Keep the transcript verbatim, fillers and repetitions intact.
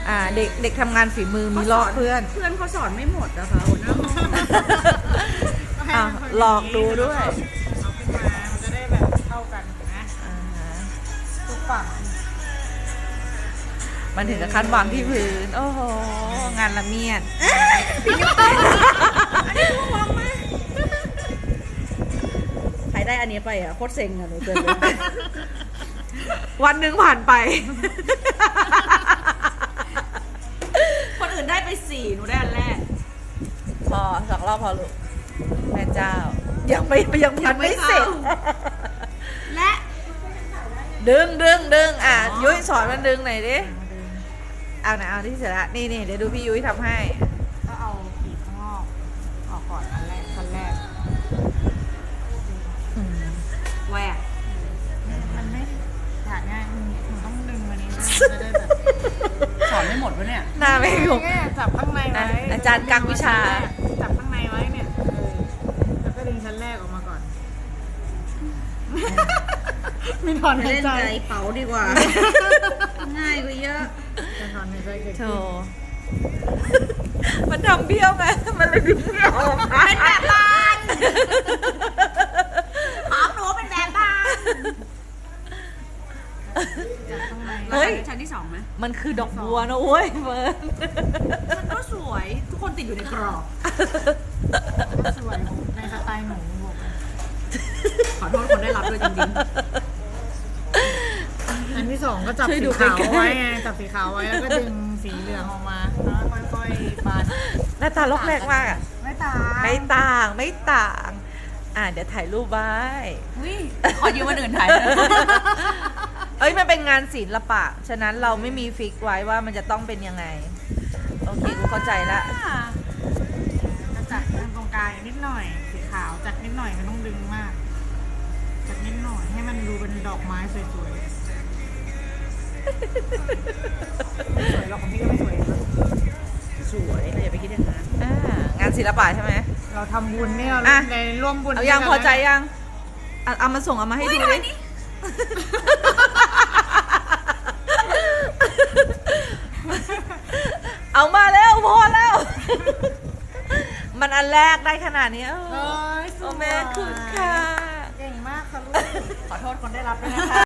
อ่าเด็กเด็กทำงานฝีมือมีลอกเพื่อนเพื่อนเขาสอนไม่หมดอะค่ะหัวหน้าห้องอ่ะลอกดูด้วยเอาขึ้นมามันจะได้แบบเท่ากันนะอ่าฮะทุกฝั่งมันถึงกับขั้นวางที่พื้น โอ้โห งานละเมียดใครได้อันนี้ไปอ่ะโคตรเซ็งอ่ะหนูเจอเลยวันหนึ่งผ่านไปคนอื่นได้ไปสี่หนูได้อันแรกพอสองรอบพอลูกแม่เจ้า ยังไม่ยังพันไม่เสร็จและดึงดึงดึงอ่ะยุ้ยสอนมันดึงหน่อยดิ เอานะเอาที่เสร็จละนี่นี่เดี๋ยวดูพี่ยุ้ยทำให้ก็เอาปีกข้างนอกออกก่อนอันแรกขั้นแรกแหวกมันไม่ถ่ายง่ายมันมันต้องดึงมานี้นะจะได้แบบสอนไม่หมดวะเนี่ยหน้าไม่ถูกแค่จับข้างในไว้อาจารย์กักวิชาจับข้างในไว้เนี่ยเออแล้วก็ดึงชั้นแรกออกมาก่อน มีถอนหายเล่นใจใจเป๋าดีกว่า ง่ายกว่าเยอะจะถอนหายใจเกิดโธขึ้นมันทำเบี้ยวไงมันเลยดึงไม่ออกเป็นแบบบ้านหอมหนูเป็นแบบบ้านจับข้างในเฮ้ยชั้นที่สองไหมมันคือดอกบัวนะโว้ยเฟิร์นมันก็สวย ทุกคนติดอยู่ในกรอบก็สวยในสไตล์หนูบอกเลยขอโทษคนได้รับด้วยจริงอันที่สองก็จับสีขาวไว้ไงจับสีขาวไว้แล้วก็ดึงสีเหลืองออกมาแล้วค่อยๆปาดหน้าตาล็อกแรกมากอะไม่ตาไม่ต่างไม่ต่าง อ่ะเดี๋ยวถ่ายรูปไว้ๆอุ้ยขอยืมวันอื่นถ่ายนะเอ้ยมันเป็นงานศิลปะ ฉะนั้นเราไม่มีฟิกไว้ว่ามันจะต้องเป็นยังไง โอเคกูเข้าใจละจะจัดตรงกลางนิดหน่อยสีขาวจัดนิดหน่อยไม่ต้องดึงมากจัดนิดหน่อยให้มันดูเป็นดอกไม้สวยๆไม่สวยหรอกของพี่ก็ไม่สวยนะสวยเราอย่าไปคิดอย่างนั้นอ่างานศิลปะใช่ไหมเราทำบุญเนี่ยเราอ่ะในร่วมบุญเอายังด้วยกันพอใจยังเอาเอามาส่งเอามาให้ดูดิ เอามาแล้วพอแล้ว มันอันแรกได้ขนาดนี้เอ้ยสโอ้วยแม่คุณค่ะเก่งมากค่ะลูกขอโทษคนได้รับด้วยนะคะ